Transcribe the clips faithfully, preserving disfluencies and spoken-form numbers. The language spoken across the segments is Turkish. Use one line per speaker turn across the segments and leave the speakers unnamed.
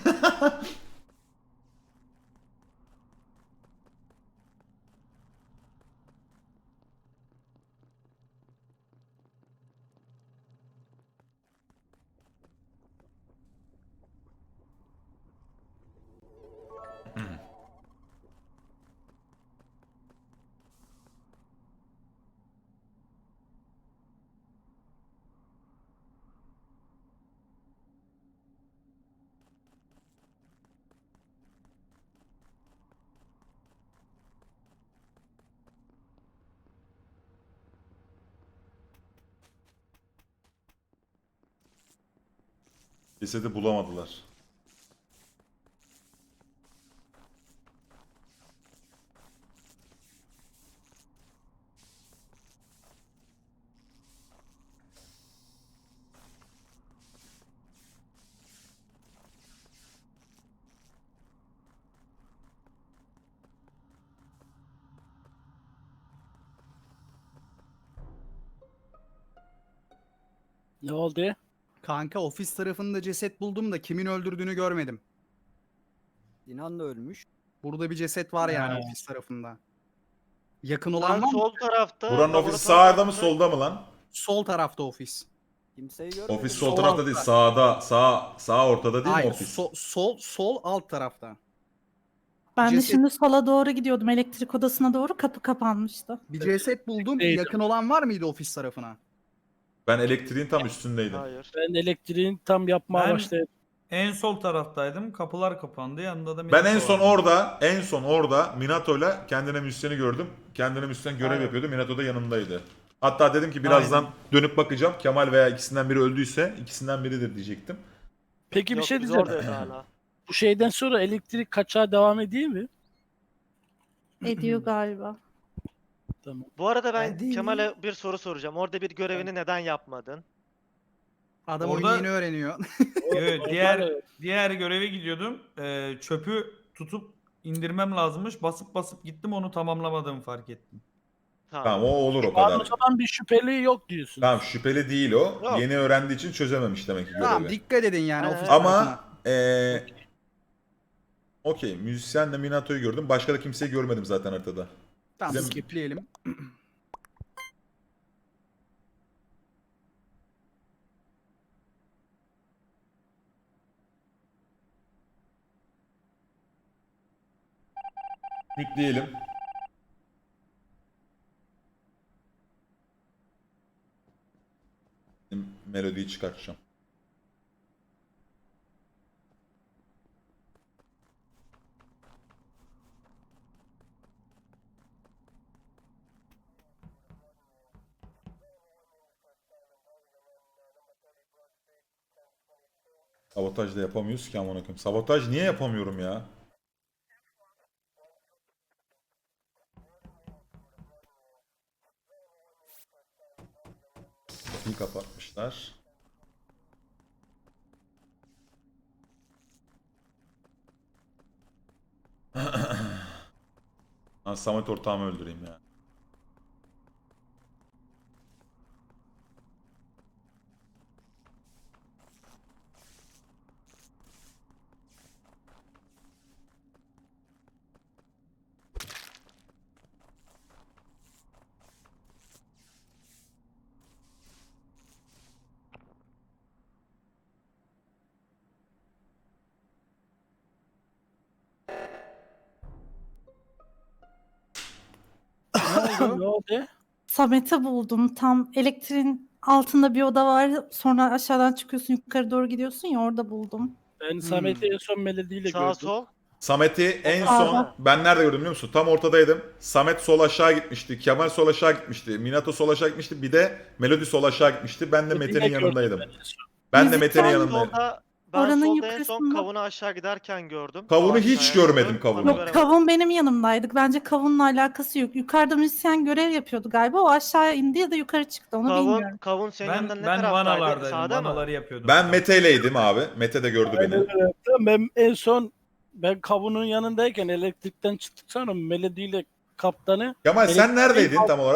Cesedi bulamadılar.
Ne oldu?
Kanka ofis tarafında ceset buldum da kimin öldürdüğünü görmedim.
Sinan da ölmüş.
Burada bir ceset var yani
Ha.
ofis tarafında. Yakın olan
Ben
var mı?
sol tarafta.
Buranın ofisi
laboratuvar
sağda mı
tarafında-
solda mı lan?
Sol tarafta ofis.
Kimseyi görmedim.
Ofis sol
Sol
tarafta
altta.
değil, sağda, sağ sağ ortada değil mi
Hayır,
ofis?
sol, sol sol alt tarafta.
Ben de
Ceset-
şimdi sola doğru gidiyordum, elektrik odasına doğru, kapı kapanmıştı.
Bir ceset buldum.
Neydi?
Yakın olan var mıydı ofis tarafına?
Ben elektriğin tam üstündeydim.
Hayır.
Ben elektriğin tam yapmaya
Ben-
başladım.
En sol taraftaydım. Kapılar kapandı. Yanında da
Ben
Minato
en son
vardı.
orada, en son orada Minato'yla kendine müzisyeni gördüm. Kendine müzisyen görev
Aynen.
yapıyordu. Minato da yanımdaydı. Hatta dedim ki birazdan
Aynen.
dönüp bakacağım. Kemal veya ikisinden biri öldüyse ikisinden biridir diyecektim.
Peki bir
Yok,
şey
biz
diyeceğim.
oradayız hala.
Bu şeyden sonra elektrik kaçağı devam ediyor mi?
Ediyor galiba.
Tamam.
Bu arada ben
Ben değil
Kemal'e bir soru soracağım. Orada bir görevini neden yapmadın?
Adam
Orada-
oyunu yeni öğreniyor.
Evet, diğer diğer göreve gidiyordum. Ee, çöpü tutup indirmem lazımmış. Basıp basıp gittim, onu tamamlamadığımı fark ettim.
Tamam.
Tamam o olur o
Şu an
kadar.
o zaman bir şüpheli yok diyorsun.
Tamam şüpheli değil o.
Yok.
Yeni öğrendiği için çözememiş demek ki görevi.
Tamam dikkat edin yani
Aynen.
ofis
Ama
tarafına.
eee okey müzisyenle Minato'yu gördüm. Başka da kimseyi görmedim zaten haritada.
Tamam
Bizim-
skipleyelim.
Yükleyelim. Melodiyi çıkartacağım. Sabotaj da yapamıyoruz ki amına koyayım. Sabotaj niye yapamıyorum ya? Kapıyı kapatmışlar. Lan Samet ortağımı öldüreyim ya.
Ne oldu?
Samet'i buldum. Tam elektriğin altında bir oda var. Sonra aşağıdan çıkıyorsun, yukarı doğru gidiyorsun ya, orada buldum.
Ben Samet'i en son melodiyle
Sağ
gördüm.
sol.
Samet'i en
Sağ
son
ol.
ben nerede gördüm biliyor musun? Tam ortadaydım. Samet sol aşağı gitmişti. Kemal sol aşağı gitmişti. Minato sol aşağı gitmişti. Bir de Melodi sol aşağı gitmişti. Ben de
Melodiyle
Mete'nin
gördüm
yanındaydım.
ben en son.
Ben de
Müzik
Mete'nin
var.
yanındaydım.
Solda, ben
Oranın
solda en son
yukarısında-
kavunu aşağı giderken gördüm.
Kavunu
Kavun
hiç
aşağıya
görmedim,
gidiyor.
kavunu.
Onu
Yok,
göremedim.
kavun benim yanımdaydık. Bence kavunla alakası yok. Yukarıda müzisyen görev yapıyordu galiba. O aşağı indi ya da yukarı çıktı. Onu
Kavun,
bilmiyorum.
kavun senin
Ben
yanından ne
ben
taraftaydı?
vanalardaydım.
Sağda mı?
Vanaları yapıyordum.
Ben Mete'yleydim abi. Mete de gördü
Aynen
beni.
öyle. Tamam, ben en son ben kavunun yanındayken elektrikten çıktık sonra melodiyle kaptanı
Kemal sen
elektriğin
neredeydin tam
altında
olarak?
gördüm.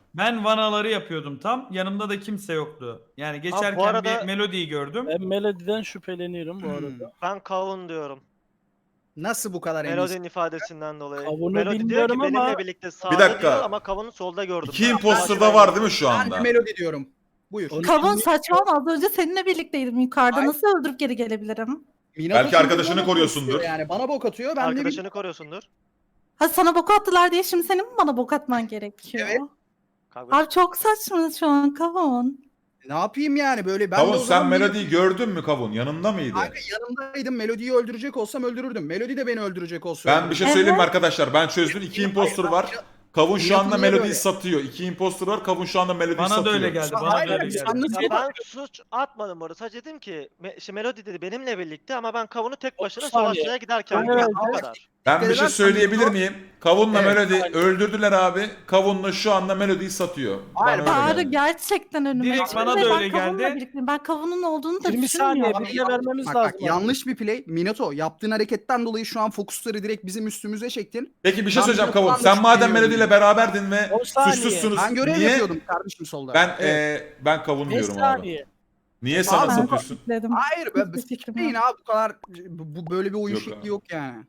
Ben vanaları yapıyordum tam. Yanımda da kimse yoktu. Yani geçerken
arada-
bir Melody'yi gördüm.
Ben Melody'den şüpheleniyorum bu
Hmm.
arada.
Ben kavun diyorum.
Nasıl bu kadar eminsin?
Melody'nin ifadesinden dolayı.
Kavunu
Melody diyor ki
bilmiyorum ama-
benimle birlikte sağda
Bir dakika.
diyor ama kavunu solda gördüm.
İki
ben.
imposter da
Başka
var
bir-
değil mi şu
Ben
anda?
de Melody diyorum. Buyur.
Onu
Kavun
bilmiyorum.
saçmalama, az önce seninle birlikteydim yukarıda.
Ay.
Nasıl öldürüp geri gelebilirim?
Minato
Belki
çünkü
arkadaşını
bana bok
koruyorsundur.
atıyor Yani bana bok atıyor. Ben de bir...
Arkadaşını koruyorsundur.
Ha, sana bok attılar diye şimdi senin mi bana bok atman gerekiyor?
Evet.
Kavga-
Abi çok saçma şu an Kavun.
Ne yapayım yani böyle? Ben de
Kavun
o
sen
zaman
Melody'yi gördün mü Kavun? Yanında mıydı?
Kanka yanımdaydım. Melody'yi öldürecek olsam öldürürdüm. Melody de beni öldürecek olsa
Ben bir şey
Evet.
söyleyeyim mi arkadaşlar? Ben çözdüm. İki imposter var. Kavun şu anda
Minato'yu niye
Melody'yi
böyle?
satıyor. İki imposter var. Kavun şu anda Melody'yi
Bana da
satıyor.
öyle geldi. Bana
Hayır,
da öyle
abi,
geldi.
sen nasıl-
Ya ben suç atmadım orada. Sadece dedim ki me- işte Melody dedi benimle birlikte ama ben kavunu tek başına
otuz saniye.
savaşçıya giderken
Evet,
gördüm. O
evet.
kadar.
Ben bir şey
Edersen
söyleyebilir
Minато-
miyim? Kavun'la
Evet,
Melody
aynen.
öldürdüler abi. Kavun'la şu anda Melody'yi satıyor.
Hayır,
Bana öyle
Çağrı
geldi.
gerçekten önüme
Direkt
çıktı
bana
ve
da
ben
öyle
Kavun'la
geldi.
birlikteyim. Ben Kavun'un olduğunu da
yirmi saniye
düşünmüyorum.
bilgi vermemiz
Bak,
lazım.
bak, yanlış bir play. Minato yaptığın hareketten dolayı şu an fokusları direkt bizim üstümüze çektin.
Peki bir şey
Ben
söyleyeceğim
Minato'dan
Kavun.
da
Sen madem
şüpheleniyorum.
Melody ile beraberdin ve
On saniye.
suçsuzsunuz.
Ben görev
Niye?
yapıyordum kardeşim solda.
Ben
Evet.
eee, ben Kavun
beş
diyorum abi.
saniye.
Niye sana
Abi,
satıyorsun?
Dedim.
Hayır ben
Hiçbir fikrim
Değil
yok.
abi bu kadar bu, bu böyle bir oyun
Yok
şekli
abi.
yok yani.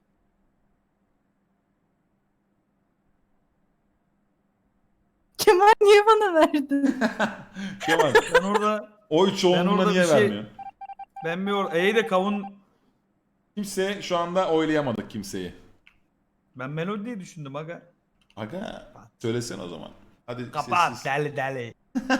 Kemal niye bana verdin?
Kemal
Ben orada
oy çoğunluğuna
orada
niye
bir şey-
vermiyor?
ben bir or İyi de kavun
Kimse şu anda oylayamadık kimseyi.
ben Melody'yi düşündüm aga.
Aga söylesene o zaman. Hadi
Kapat
sessiz.
deli deli.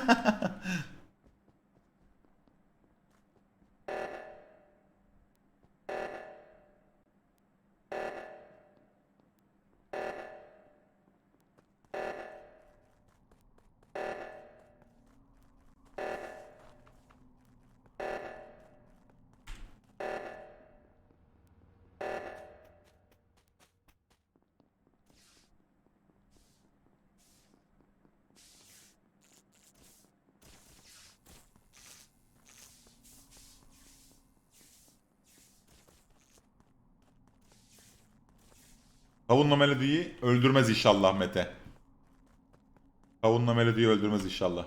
Kavunla Melody'yi öldürmez inşallah Mete. Kavunla Melody'yi öldürmez inşallah.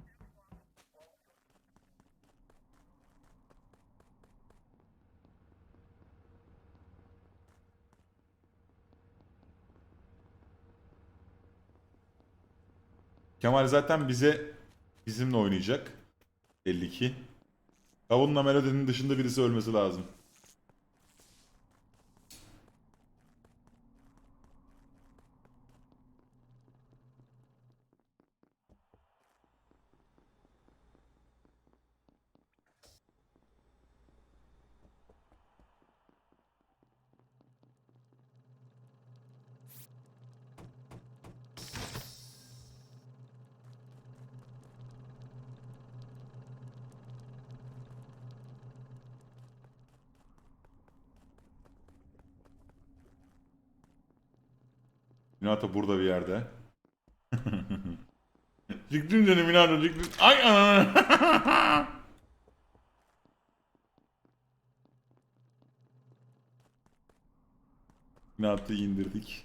Kemal zaten bize bizimle oynayacak. Belli ki. Kavunla Melody'nin dışında birisi ölmesi lazım. Minato burada bir yerde. Çıktın canım Minato çıktın. Ay anana. Minato'yu indirdik.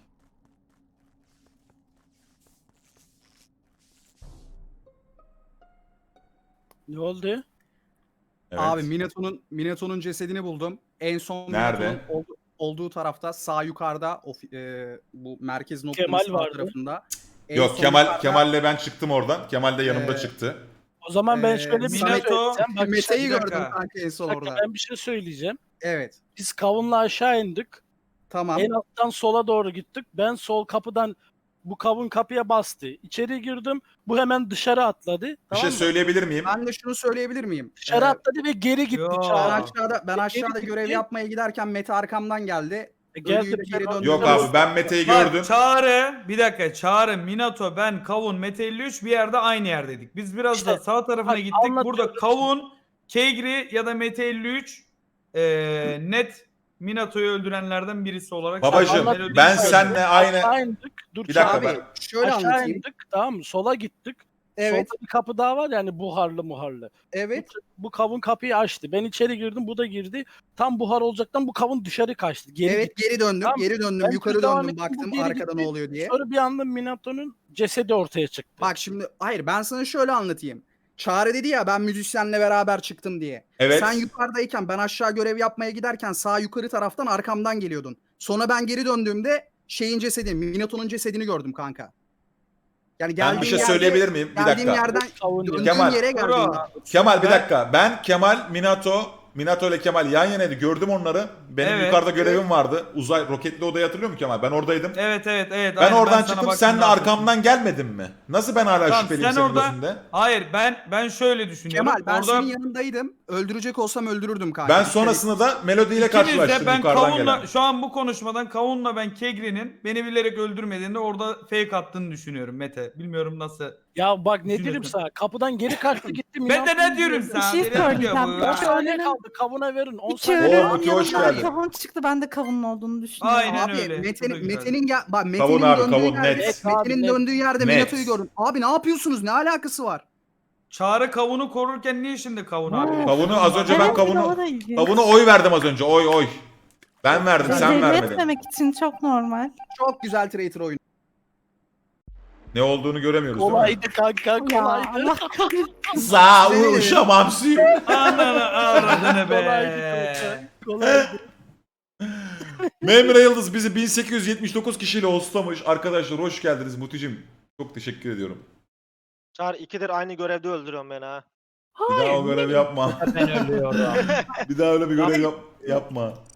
Ne oldu?
Evet.
Abi Minato'nun Minato'nun cesedini buldum. En son
Nerede?
Minato'nun oldu- olduğu tarafta sağ yukarıda o, e, bu merkez noktanın
Kemal
sağ
vardı.
tarafında. En
Yok
son
Kemal
yukarıda,
Kemal'le ben çıktım oradan. Kemal de yanımda
Ee,
çıktı.
O zaman ben
Ee,
şöyle bir şey
Minato-
söyleyeceğim. Bak,
Mete'yi
bir dakika.
gördüm kanka en son
bir dakika,
orada.
ben bir şey söyleyeceğim.
Evet.
Biz kavunla aşağı indik.
Tamam.
En alttan sola doğru gittik. Ben sol kapıdan bu kavun kapıya bastı. İçeri girdim. Bu hemen dışarı atladı.
Bir
Tamam
şey
mı?
söyleyebilir miyim?
Ben de şunu söyleyebilir miyim?
Dışarı
Ee,
atladı ve geri gitti.
Yo.
ben
Çağrı.
aşağıda ben aşağıda
gitti.
görev yapmaya giderken Mete arkamdan geldi.
E, geldi,
Ölüyle
ben
geri
o-
döndü.
Yok abi ben Mete'yi
Bak,
gördüm.
Çağrı bir dakika Çağrı, Minato, ben, Kavun, Mete elli üç bir yerde aynı yerdeydik. Biz biraz
İşte,
da sağ tarafına
bak,
gittik.
anlatıyorum
Burada
şimdi.
Kavun, Kegri ya da Mete elli üç e, net Minato'yu öldürenlerden birisi olarak.
Babacım,
Zaten Melody'yi
ben
söyledim.
senle aynı...
Aşağı indik. Dur
Bir dakika
Çağrı.
ben-
Abi şöyle
Aşağı
anlatayım.
indik. Tamam mı? Sola gittik.
Evet,
Solda bir kapı daha var yani buharlı muharlı.
evet.
Bu kavun kapıyı açtı. Ben içeri girdim, bu da girdi. Tam buhar olacaktan bu kavun dışarı kaçtı. Geri
Evet,
gitti.
geri döndüm,
Tamam,
geri döndüm,
ben
yukarı
devam
döndüm,
ettim, bu
baktım
geri
arkada
gitti.
ne oluyor diye.
Sonra bir anda Minato'nun cesedi ortaya çıktı.
Bak şimdi, hayır ben sana şöyle anlatayım. Çağrı dedi ya ben müzisyenle beraber çıktım diye.
Evet.
Sen yukarıdayken ben aşağı görev yapmaya giderken sağ yukarı taraftan arkamdan geliyordun. Sonra ben geri döndüğümde şeyin cesedini, Minato'nun cesedini gördüm kanka. Yani
Ben
geldiğim
bir şey
yerde-
söyleyebilir miyim? Bir
Geldiğim
dakika.
yerden
Kavun
döndüğüm
Kemal.
yere geldim.
Bro.
Kemal bir
Ben-
dakika. Ben Kemal, Minato, Minato ile Kemal yan yanaydı. Gördüm onları. Benim
Evet,
yukarıda görevim vardı. Uzay roketli odayı hatırlıyor musun Kemal? Ben oradaydım.
Evet evet evet.
Ben
aynen,
oradan
sana
çıktım.
baktığımda
Sen de
hatırladım.
arkamdan gelmedin mi? Nasıl ben hala
Tamam,
şüpheliyim
sen
senin
orada-
gözünde?
Hayır ben ben şöyle düşünüyorum.
Kemal ben
Orada
senin yanındaydım. Öldürecek olsam öldürürdüm kanka.
Ben
Dikkat et.
sonrasında da Melody ile
İkiniz de
karşılaştım
ben
yukarıdan
Kavun'la
gelen.
şu an bu konuşmadan Kavun'la ben Kegri'nin beni bilerek öldürmediğinde orada fake attığını düşünüyorum Mete. Bilmiyorum nasıl.
Ya bak ne
Düşünüyorsun.
diyeyim sana. Kapıdan geri kaçtı gitti.
Ben de ne
Minato'nun
diyorum
girdi.
sana?
şey
Nereye gidiyor
söyleyeceğim.
bu
on
ya?
saniye kaldı. Kavuna verin. on
İki
saniye.
Oo,
ölü
Muti, hoş
yanından
geldin.
kavun çıktı. Ben de kavunun olduğunu düşünüyorum.
Aynen
Abi
öyle. Bu da
Mete'nin
güzel.
Mete'nin gel bak Mete'nin
Kavun abi,
döndüğü
kavun,
yerde
net.
Mete'nin
Net.
döndüğü yerde
Net.
Minato'yu gördüm. Abi ne yapıyorsunuz? Ne alakası var?
Çağrı Kavun'u korurken niye şimdi Kavun abi?
Kavunu az önce ben
Evet,
kavunu
o da ilginç.
kavunu oy verdim az önce. Oy oy. Ben verdim sen
Belli
vermedin.
etmemek için çok normal.
Çok güzel traitor oyunu.
Ne olduğunu göremiyoruz değil mi?
Kolaydı kanka
Ya
kolaydı.
Allah kahretsin.
Za uşamam suyum.
Ananı avradını
Kolaydı
be.
kanka. Kolaydı.
Memre Yıldız bizi bin sekiz yüz yetmiş dokuz kişiyle hostlamış. Arkadaşlar hoş geldiniz Muti'cim. Çok teşekkür ediyorum.
Çağrı ikidir aynı görevde öldürüyorsun beni ha.
Bir daha o görevi yapma.
Ben ölüyorum.
Bir daha öyle bir görev yap yapma.